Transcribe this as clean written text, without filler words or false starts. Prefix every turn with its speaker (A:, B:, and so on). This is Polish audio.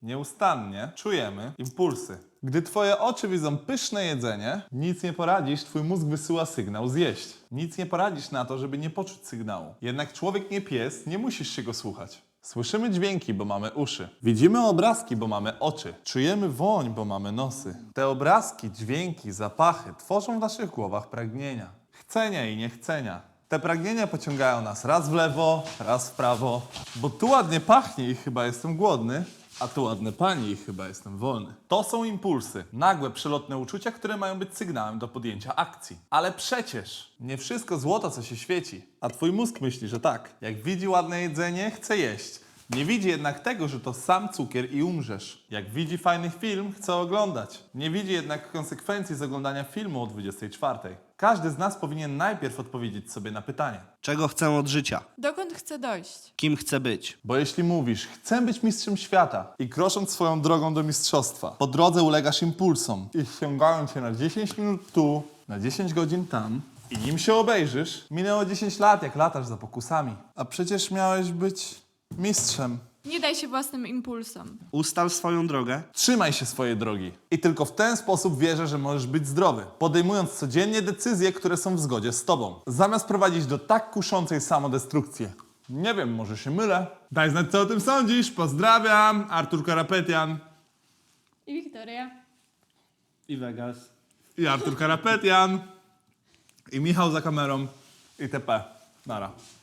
A: Nieustannie czujemy impulsy. Gdy twoje oczy widzą pyszne jedzenie, nic nie poradzisz, twój mózg wysyła sygnał zjeść. Nic nie poradzisz na to, żeby nie poczuć sygnału. Jednak człowiek nie pies, nie musisz się go słuchać. Słyszymy dźwięki, bo mamy uszy. Widzimy obrazki, bo mamy oczy. Czujemy woń, bo mamy nosy. Te obrazki, dźwięki, zapachy tworzą w naszych głowach pragnienia. Chcenia i niechcenia. Te pragnienia pociągają nas raz w lewo, raz w prawo, bo tu ładnie pachnie i chyba jestem głodny, a tu ładne pani i chyba jestem wolny. To są impulsy, nagłe, przelotne uczucia, które mają być sygnałem do podjęcia akcji. Ale przecież nie wszystko złoto, co się świeci. A twój mózg myśli, że tak. Jak widzi ładne jedzenie, chce jeść. Nie widzi jednak tego, że to sam cukier i umrzesz. Jak widzi fajny film, chce oglądać. Nie widzi jednak konsekwencji z oglądania filmu o 24. Każdy z nas powinien najpierw odpowiedzieć sobie na pytanie.
B: Czego chcę od życia?
C: Dokąd chcę dojść?
B: Kim chcę być?
A: Bo jeśli mówisz, chcę być mistrzem świata i krosząc swoją drogą do mistrzostwa, po drodze ulegasz impulsom i ściągają cię na 10 minut tu, na 10 godzin tam i nim się obejrzysz, minęło 10 lat, jak latasz za pokusami. A przecież miałeś być mistrzem.
C: Nie daj się własnym impulsom.
B: Ustal swoją drogę.
A: Trzymaj się swojej drogi. I tylko w ten sposób wierzę, że możesz być zdrowy, podejmując codziennie decyzje, które są w zgodzie z tobą. Zamiast prowadzić do tak kuszącej samodestrukcji. Nie wiem, może się mylę. Daj znać, co o tym sądzisz. Pozdrawiam. Artur Karapetian
C: I Wiktoria.
B: I Vegas.
A: i Artur Karapetian i Michał za kamerą itp. Nara.